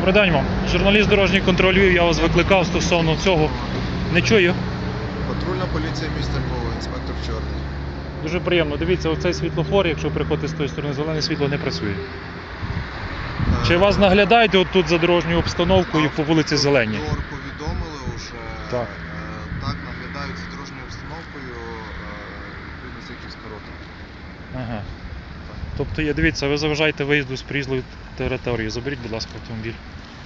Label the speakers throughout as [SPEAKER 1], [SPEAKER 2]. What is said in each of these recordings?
[SPEAKER 1] Добрий день вам. Журналіст дорожній контроль Львів, я вас викликав стосовно цього. Не чую.
[SPEAKER 2] Патрульна поліція міста Львова, інспектор Чорний.
[SPEAKER 1] Дуже приємно. Дивіться, оцей світлофор, якщо приходите з тої сторони, зелене світло не працює. Чи вас наглядають от тут за дорожньою обстановкою по вулиці Зеленій?
[SPEAKER 2] Повідомили вже.
[SPEAKER 1] Так.
[SPEAKER 2] Так, наглядають за дорожньою обстановкою відповідно Сихівська рота.
[SPEAKER 1] Ага. Тобто, дивіться, ви заважаєте виїзду з проїзної території. Заберіть, будь ласка, автомобіль.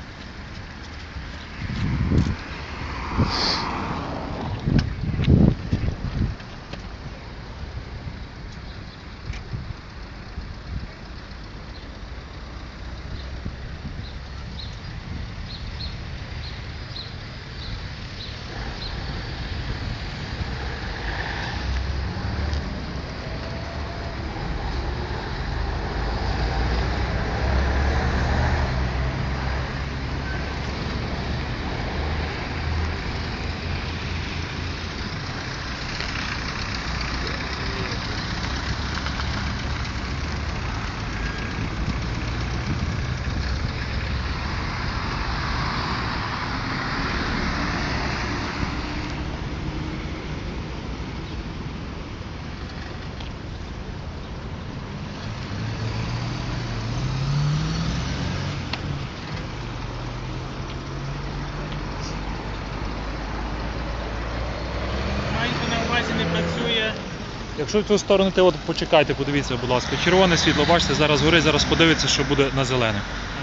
[SPEAKER 3] Не працює.
[SPEAKER 1] Якщо в цю сторону, то от почекайте, подивіться, будь ласка. Червоне світло, бачите, зараз горить, зараз подивиться, що буде на зелене.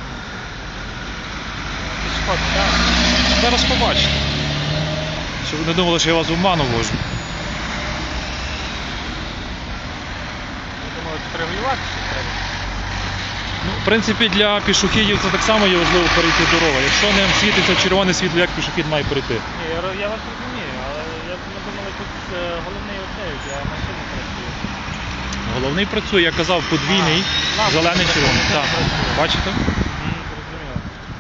[SPEAKER 1] Зараз побачите. Щоб ви не думали, що я вас в обману вожу.
[SPEAKER 3] Я думаю, регулювати треба.
[SPEAKER 1] Ну, в принципі, для пішохідів це так само є важливо перейти дорогу. Якщо не світиться червоне світло, як пішохід має перейти?
[SPEAKER 3] Ні, я вас розумію, але ми думали, тут головний оцей, а машина працює.
[SPEAKER 1] Головний працює, я казав, подвійний, зелений, червоний. Так, бачите?
[SPEAKER 3] Зрозуміло.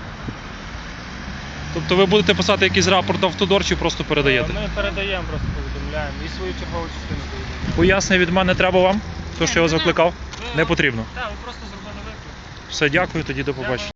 [SPEAKER 1] Тобто ви будете писати якийсь рапорт в автодор чи просто передаєте?
[SPEAKER 3] Ми передаємо, просто повідомляємо і свою чергову частину повідомляємо.
[SPEAKER 1] Пояснення від мене треба вам? То, що я вас викликав? Не потрібно.
[SPEAKER 3] Так, ви просто зробили виклик.
[SPEAKER 1] Все, дякую, тоді до побачення.